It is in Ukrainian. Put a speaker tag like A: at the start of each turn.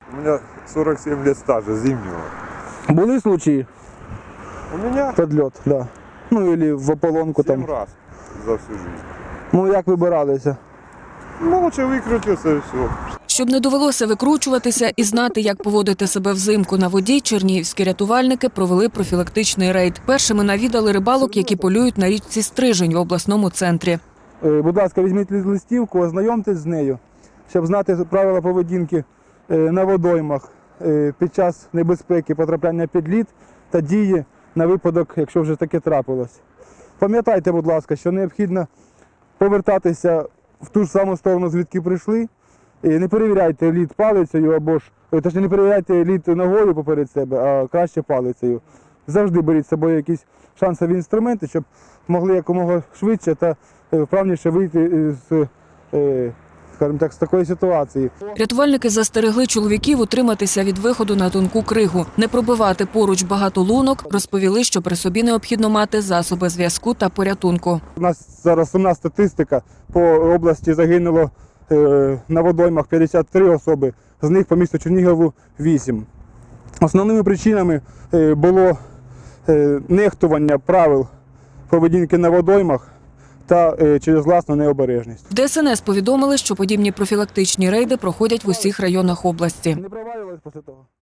A: У меня 47 лет стажа зимнего.
B: Були случаї
A: У меня
B: під льот, да. Ну, або в ополонку
A: 7
B: там.
A: раз за всю жизнь.
B: Ну, як вибиралися?
A: Молча выкрутился и все.
C: Щоб не довелося викручуватися і знати, як поводити себе взимку на воді, чернігівські рятувальники провели профілактичний рейд. Першими навідали рибалок, які полюють на річці Стрижень в обласному центрі.
B: Будь ласка, візьміть листівку, ознайомтесь з нею, щоб знати правила поведінки на водоймах під час небезпеки потрапляння під лід та дії на випадок, якщо вже таке трапилось. Пам'ятайте, будь ласка, що необхідно повертатися в ту ж саму сторону, звідки прийшли. І не перевіряйте лід палицею або ж, точніше, не перевіряйте лід ногою поперед себе, а краще палицею. Завжди беріть з собою якісь шансові інструменти, щоб могли якомога швидше та вправніше вийти з, скажімо так, з такої ситуації.
C: Рятувальники застерегли чоловіків утриматися від виходу на тонку кригу, не пробивати поруч багато лунок, розповіли, що при собі необхідно мати засоби зв'язку та порятунку.
B: У нас зараз сумна статистика. По області загинуло на водоймах 53 особи, з них по місту Чернігову 8. Основними причинами було нехтування правил поведінки на водоймах та через власну необережність.
C: В ДСНС повідомили, що подібні профілактичні рейди проходять в усіх районах області.
B: Не провалювалися після того?